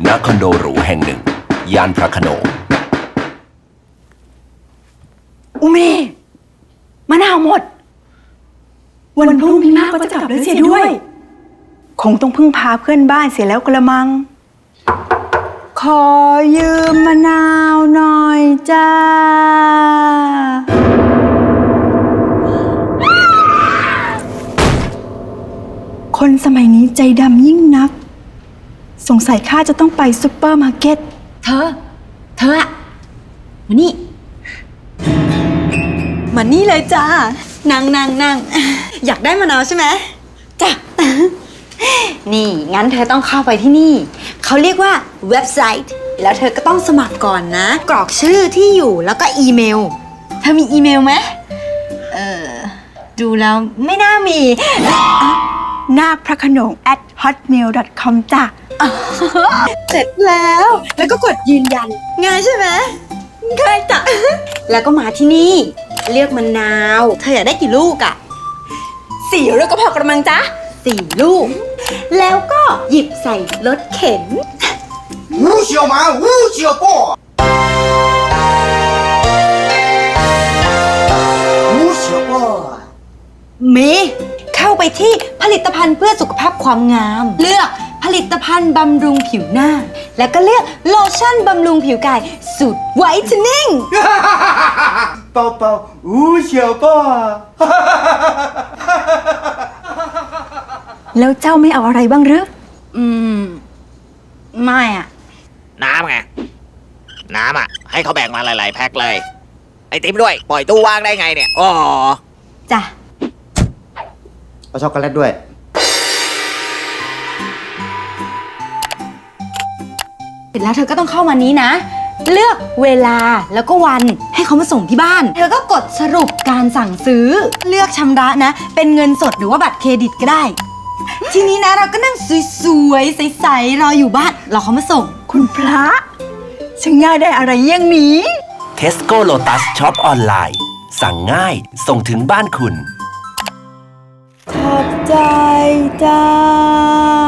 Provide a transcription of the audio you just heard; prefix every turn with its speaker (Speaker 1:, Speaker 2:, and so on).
Speaker 1: ณคอนโดหรูแห่งหนึ่งย่านพระโขนง
Speaker 2: อุเมมะนาวหมดวันพรุ่งนี้มากก็จะกลับแล้วเสียด้วยคงต้องพึ่งพาเพื่อนบ้านเสียแล้วกระมังขอยืมมะนาวหน่อยจ้าคนสมัยนี้ใจดำยิ่งนักสงสัยข้าจะต้องไปซุปเปอร์มาร์เก็ต
Speaker 3: เธออะมานี่มานี่เลยจ้านั่งอยากได้มะนาวใช่ไหมจ้ะนี่งั้นเธอต้องเข้าไปที่นี่เขาเรียกว่าเว็บไซต์แล้วเธอก็ต้องสมัครก่อนนะกรอกชื่อที่อยู่แล้วก็อีเมลเธอมีอีเมลไหมดูแล้วไม่น่ามี
Speaker 2: นาคพระโขนง @hotmail.com จ้ะ
Speaker 3: เสร็จแล้วก็กดยืนยันง่ายใช่ไหมง่ายจ้ะแล้วก็มาที่นี่เลือกมะนาวเธออยากได้กี่ลูกอะ4 ลูกก็พอกระมังจ๊ะ4 ลูกแล้วก็หยิบใส่รถเข็น
Speaker 4: 吴小满吴小宝吴小宝
Speaker 3: มีเข้าไปที่ผลิตภัณฑ์เพื่อสุขภาพความงามเลือกผลิตภัณฑ์บำรุงผิวหน้าแล้วก็เลือกโลชั่นบำรุงผิวกายสูตรไวท์เทนนิ่ง
Speaker 4: 宝宝吴小宝
Speaker 2: แล้วเจ้าไม่เอาอะไรบ้างหรือ
Speaker 3: ไม่อะ
Speaker 5: น้ำไงน้ำอ่ะให้เขาแบ่งมาหลายๆแพ็คเลยไอติมด้วยปล่อยตู้ว่างได้ไงเนี่ยอ๋อ
Speaker 3: จ้ะ
Speaker 4: เอาช็อกโกแลตด้วย
Speaker 3: เสร็จแล้วเธอก็ต้องเข้ามานี้นะเลือกเวลาแล้วก็วันให้เขามาส่งที่บ้านเธอก็กดสรุปการสั่งซื้อเลือกชำระนะเป็นเงินสดหรือว่าบัตรเครดิตก็ได้ทีนี้นะเราก็นั่งสวยๆใสๆรออยู่บ้านรอเขามาส่ง
Speaker 2: คุณพระช่างง่ายได้อะไรอย่างนี้
Speaker 1: Tesco Lotus Shop ออนไลน์สั่งง่ายส่งถึงบ้านคุณ
Speaker 2: ขอบใจจ้า